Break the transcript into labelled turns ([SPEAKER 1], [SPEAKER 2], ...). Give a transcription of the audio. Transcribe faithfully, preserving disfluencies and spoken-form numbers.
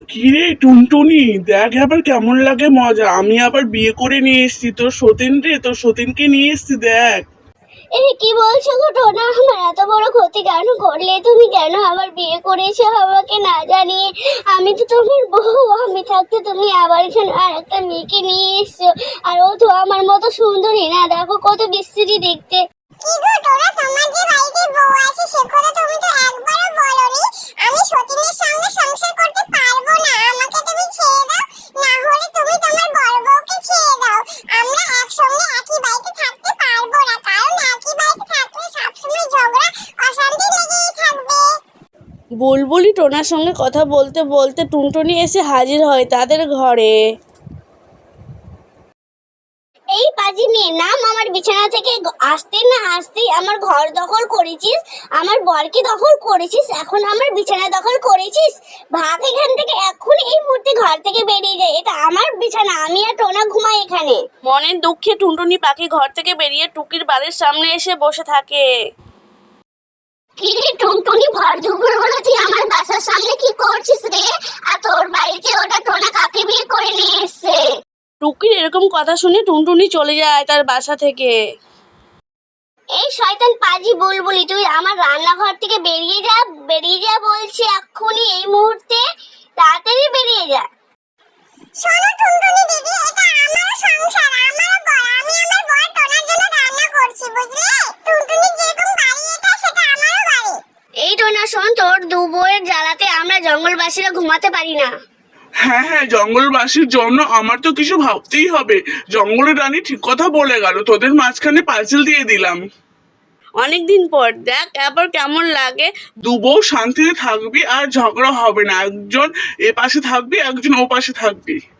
[SPEAKER 1] কিরে টুনটুনি, দেখ আবার কেমন লাগে মজা। আমি আবার বিয়ে করে নিয়ে এসেছি তোর সতীন রে, তোর সতীনকে নিয়ে এসেছি দেখ।
[SPEAKER 2] এই কি বলছো গো টোনা? আমার এত বড় ক্ষতি কেন করলে তুমি? কেন আবার বিয়ে করেছো আমাকে না জানিয়ে? আমি তো তোমার বউ, আমি থাকতে তুমি আবার এখানে আর একটা মেয়েকে নিয়ে এসছো। আর ও তো আমার মতো সুন্দরী না, দেখো কত বিশ্রী দেখতে।
[SPEAKER 3] কি গো টোনা, তোমার যে বাড়িতে বউ আছে সে কথা তুমি তো একবারও বলোনি। আমি সতীনের সঙ্গে সংসার করতে পারবো না, আমাকে তুমি ছেড়ে দাও, না হলে তুমি তোমার বড় বউকে ছেড়ে দাও। আমরা একসঙ্গে একই বাড়িতে থাকতে পারবো না, কারণ একই বাড়িতে থাকলে সবসময় ঝগড়া অশান্তি লেগেই থাকবে।
[SPEAKER 4] বুলবুলি টোনার সঙ্গে কথা বলতে বলতে টুনটুনি এসে হাজির হয় তাদের ঘরে।
[SPEAKER 2] এই পাজি মেয়ে, নাম আমার বিছানা থেকে। আসতে না আসতেই আমার ঘর দখল করেছিস, আমার বরকে দখল করেছিস, এখন আমার বিছানা দখল করেছিস। ভাগ এখান থেকে, এখন এই মুহূর্তে ঘর থেকে বেরিয়ে যায়। এটা আমার বিছানা, আমি আর টোনা ঘুমাই এখানে।
[SPEAKER 4] মনের দুঃখে টুনটুনি পাখি ঘর থেকে বেরিয়ে টুকির বাড়ির সামনে এসে বসে থাকে।
[SPEAKER 2] কি রে টুনটুনি, ভর দুপুর বেলা তুই আমার বাসার সামনে কি করছিস রে? আর তোর বাড়িতে ওটা টোনা কাকে বিয়ে করে নিয়ে এসছে?
[SPEAKER 4] টুকির এরকম কথা শুনে টুনটুনি চলে যায় তার বাসা থেকে।
[SPEAKER 2] এই শয়তান পাজি বুলবুলি, তুই আমার রান্নাঘর থেকে বেরিয়ে যা, বেরিয়ে যা বলছি এক্ষুনি, এই মুহূর্তে তাড়াতাড়ি বেরিয়ে যা।
[SPEAKER 3] শোনো টুনটুনি দিদি, এটা আমার সংসার, আমার বর, আমি আমার বর টোনার জন্য রান্না করছি, বুঝলে? টুনটুনি যেরকম বাড়ি, এটা সেটা আমারও বাড়ি।
[SPEAKER 2] এই টোনা শোন, তোর দু বউয়ের জ্বালাতে আমরা জঙ্গলবাসীরা ঘুমাতে পারি না।
[SPEAKER 1] হ্যাঁ হ্যাঁ, জঙ্গলবাসীর জন্য আমার তো কিছু ভাবতেই হবে। জঙ্গলের রানী ঠিক কথা বলে গেল, তোদের মাঝখানে পাঁচিল দিয়ে দিলাম।
[SPEAKER 4] অনেকদিন পর দেখ এবার কেমন লাগে।
[SPEAKER 1] দু বউ শান্তিতে থাকবি আর ঝগড়া হবে না, একজন এ পাশে থাকবি একজন ও পাশে থাকবি।